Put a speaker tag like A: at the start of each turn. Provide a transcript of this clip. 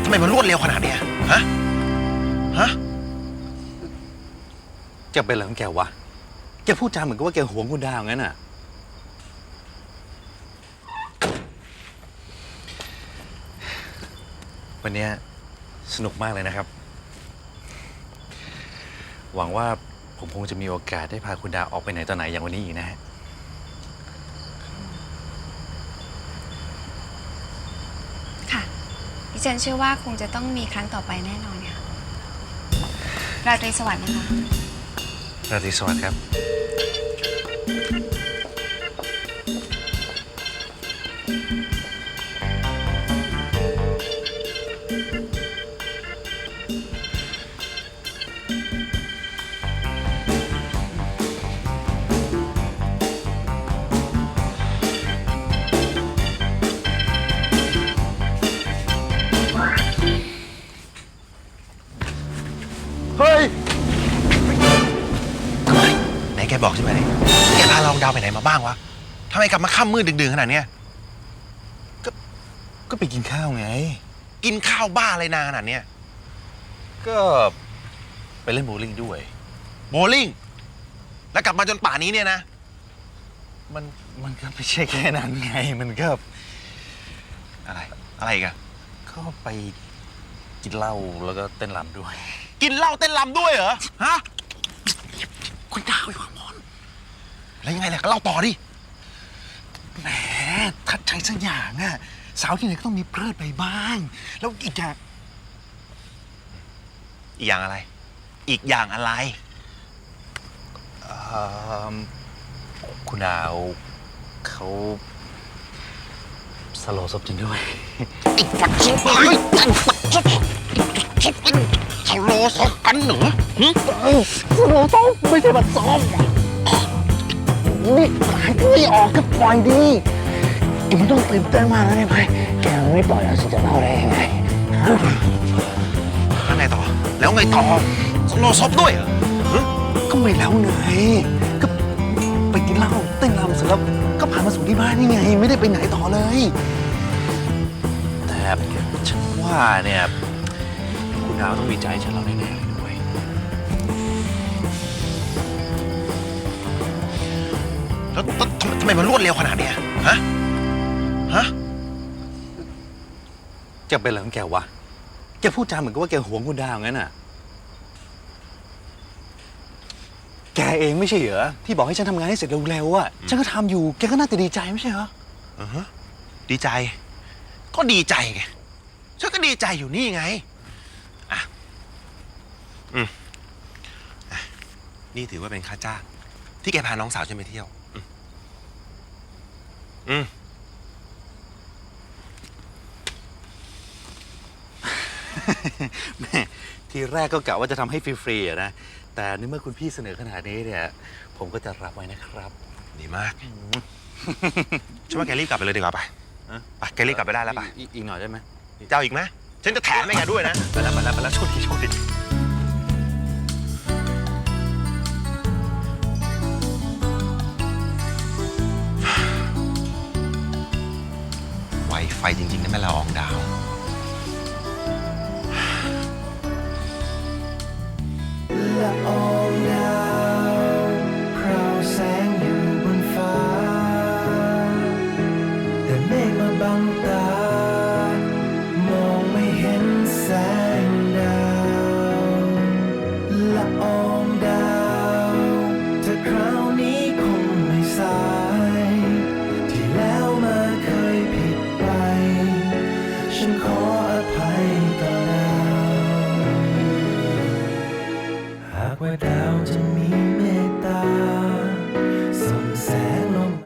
A: ไมมันรวดเร็วขนาดเนี้ยฮะ
B: จะเป็นอะไรของแกวะแกพูดจาเหมือนกับว่าแกหวงคุณดาวงั้นน่ะวันนี้สนุกมากเลยนะครับหวังว่าผมคงจะมีโอกาสได้พาคุณดาวออกไปไหนต่อไหนอย่างวันนี้อีกนะฮะ
C: ค่ะดิฉันเชื่อว่าคงจะต้องมีครั้งต่อไปแน่นอนค่ะราตรีสวัสดิ์นะคะ
B: ราตรีสวัสดิ์ครับ
A: เฮ้ยไหนแกบอกใช่ไหมแกพาลองดาวไปไหนมาบ้างวะทำไมกลับมาค่ำมืดดึกๆขนาดเนี้ย
B: ก็ไปกินข้าวไง
A: กินข้าวบ้าอะไรนานขนาดเนี้ย
B: ก็ไปเล่นโบว์ลิ่งด้วย
A: โบลิ่งแล้วกลับมาจนป่านนี้เนี่ยนะ
B: มันก็ไม่ใช่แค่นั้นไงมันก็
A: อะไรอีกัน
B: ก็ไปกินเหล้าแล้วก็เต้นรำด้วย
A: กินเหล้าเต้นรำด้วยเหรอฮะ
B: คุณดาวไอ้ความมอน
A: แล้วยังไงล่ะก็เล่าต่อดิ
B: แหมทัดใจสักอย่างอะสาวที่ไหนก็ต้องมีเพลิดไปบ้างแล้วอีก
A: อย่างอะไรอีกอย่างอะไร
B: คุณดาวเขาสโลว์ศพจริงด้วย
A: อีกปัดซุปเลยสโลว์ศพกันเหรอ
B: สโลว์ศพไม่ใช่บัดซบนี่หายไม่ออกก็ปล่อยดีแกไม่ต้องตื่นเต้นมากนะได้ไหมแกไม่ปล่อยแล้วฉันจะเล่าได้ยังไง
A: แล้วไงต่อสโลว์ศพด้วยเหรอ
B: ก็ไม่แล้วไงก็ไปกินเหล้าเต้นรำเสร็จแล้วก็พามาสู่ที่บ้านนี่ไงไม่ได้ไปไหนต่อเลยแต่ฉันว่าเนี่ยคุณดาวต้องมีใจฉันเราแน่ๆเลยด้วย
A: แล้วทำไมมันรวดเร็วขนาดเนี้ยฮะ
B: จะเป็นอะไรของแกวะแกพูดจาเหมือนกับว่าแกหวงคุณดาวงั้นน่ะแกเองไม่ใช่เหรอที่บอกให้ฉันทำงานให้เสร็จเร็วๆอ่ะฉันก็ทำอยู่แกก็น่าจะดีใจไม่ใช่เหรอ
A: ดีใจก็ดีใจไงฉันก็ดีใจอยู่นี่ไงนี่ถือว่าเป็นค่าจ้างที่แกพาน้องสาวฉันไปเที่ยว
B: แม่ทีแรกก็กะว่าจะทำให้ฟรีๆนะแต่ในเมื่อคุณพี่เสนอขนาดนี้เนี่ยผมก็จะรับไว้นะครับ
A: ดีมากฉันว่าแกรีบกลับไปเลยดีกว่าไปแกรีบกลับไปได้แล้วไป
B: อีกหน่อยได้ไหม
A: เจ้าอีกไหมฉันจะแถมให้แกด้วยนะ
B: ไปแล้วโชคดี
A: ไวไฟจริงๆนะแม่ละอองดาว
D: ละอองดาวพราวแสงอยู่บนฟ้าแต่เมฆมาบังตามองไม่เห็นแสงดาวละอองดาวถ้าคราวนี้คงไม่สายที่แล้วมาเคยผิดไปฉันขออภัยต่อดาวหากว่าดาวจะมี